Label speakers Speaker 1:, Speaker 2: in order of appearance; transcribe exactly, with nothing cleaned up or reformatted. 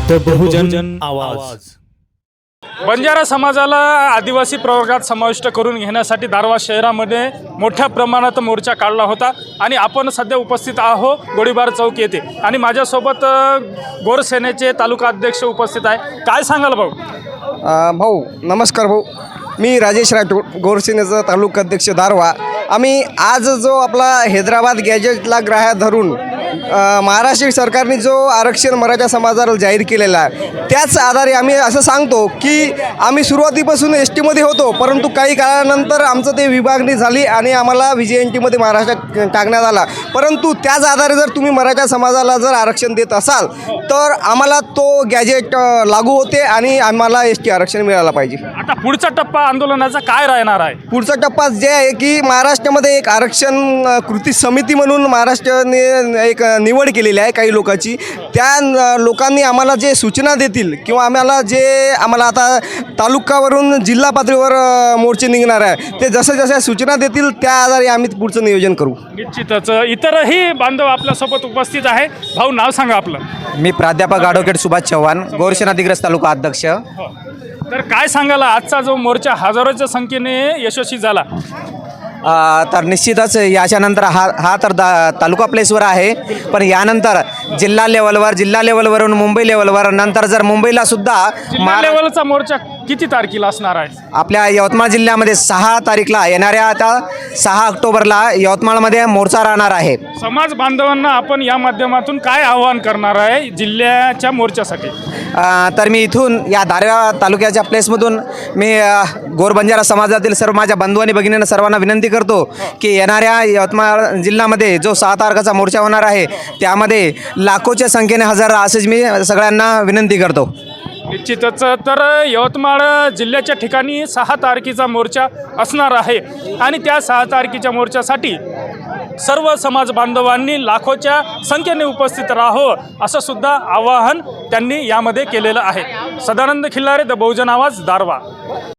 Speaker 1: The बहुजन आवाज.
Speaker 2: बंजारा समाजाला आदिवासी प्रवर्गात समाविष्ट करून घेण्यासाठी दारवा शहरामध्ये मोठ्या प्रमाणात मोर्चा काढला होता आणि आपण सध्या उपस्थित आहो गोळीबार चौक येथे आणि माझ्यासोबत अ, गोरसेनेचे तालुका अध्यक्ष उपस्थित आहे. काय सांगाल भाऊ?
Speaker 3: अ, भाऊ नमस्कार भाऊ. मी राजेश राठोड, गोरसेनेचा तालुका अध्यक्ष दारवा. आम्ही आज जो आपला हैदराबाद गॅजेटला ग्राह्य धरून अ, महाराष्ट्र सरकारने जो आरक्षण मराठा समाजाला जाहीर केलेला आहे त्याच आधारे आम्ही असं सांगतो की आम्ही सुरुवातीपासून एस टीमध्ये होतो, परंतु काही काळानंतर आमचं ते विभागणी झाली आणि आम्हाला व्ही जे एन टीमध्ये महाराष्ट्रात टाकण्यात आला. परंतु त्याच आधारे जर तुम्ही मराठा समाजाला जर आरक्षण देत असाल तर आम्हाला तो गॅजेट अ, लागू होते आणि आम्हाला एस टी आरक्षण मिळालं पाहिजे.
Speaker 2: आता पुढचा टप्पा आंदोलनाचा काय राहणार आहे?
Speaker 3: पुढचा टप्पा जे आहे की महाराष्ट्रामध्ये एक आरक्षण अ, कृती समिती म्हणून महाराष्ट्राने एक अ, निवड केलेली आहे काही लोकांची. त्या अ, लोकांनी आम्हाला जे सूचना देतील किंवा आम्हाला जे आम्हाला आता तालुकावरून जिल्हा पातळीवर अ, मोर्चे निघणार आहे ते जसं जसं सूचना देतील त्या आधारे आम्ही पुढचं नियोजन करू.
Speaker 2: निश्चितच इतरही बांधव आपल्यासोबत उपस्थित आहे. भाऊ नाव सांगा आपलं.
Speaker 4: मी प्राध्यापक ॲडव्होकेट सुभाष चव्हाण, गोरसेना अधिग्रस्त तालुका अध्यक्ष.
Speaker 2: हो. तर काय सांगाल, आजचा जो मोर्चा हजारोच्या संख्येने यशस्वी झाला?
Speaker 4: अ, तर निश्चितच याच्यानंतर हा हा तर दा तालुका प्लेसवर आहे, पण यानंतर जिल्हा लेवलवर जिल्हा लेवलवरून मुंबई लेवलवर नंतर जर मुंबईला सुद्धा
Speaker 2: जिल्हा
Speaker 4: महारा
Speaker 2: लेवलचा मोर्चा किती तारखेला असणार आहे?
Speaker 4: आपल्या यवतमाळ जिल्ह्यामध्ये सहा तारीखला येणाऱ्या आता सहा ऑक्टोबरला यवतमाळमध्ये मोर्चा राहणार आहे.
Speaker 2: समाज बांधवांना आपण या माध्यमातून काय आवाहन करणार आहे जिल्ह्याच्या मोर्चासाठी?
Speaker 4: अ, तर मी इथून या दारव्हा तालुक्याच्या प्लेसमधून मी अ, गोरबंजारा समाजातील सर्व माझ्या बंधू आणि भगिनींना सर्वांना विनंती करतो की येणाऱ्या यवतमाळ जिल्ह्यामध्ये जो सहा तारखेचा मोर्चा होणार आहे त्यामध्ये लाखोच्या संख्येने हजर राहा असेच मी सगळ्यांना विनंती करतो.
Speaker 2: निश्चितच. तर यवतमाळ जिल्ह्याच्या ठिकाणी सहा तारखेचा मोर्चा असणार आहे आणि त्या सहा तारखेच्या मोर्चासाठी सर्व समाज बांधवांनी लाखोच्या संख्येने उपस्थित राहावं असं सुद्धा आवाहन त्यांनी यामध्ये केलेलं आहे. सदानंद खिल्लारे, द बहुजन आवाज, दारवा.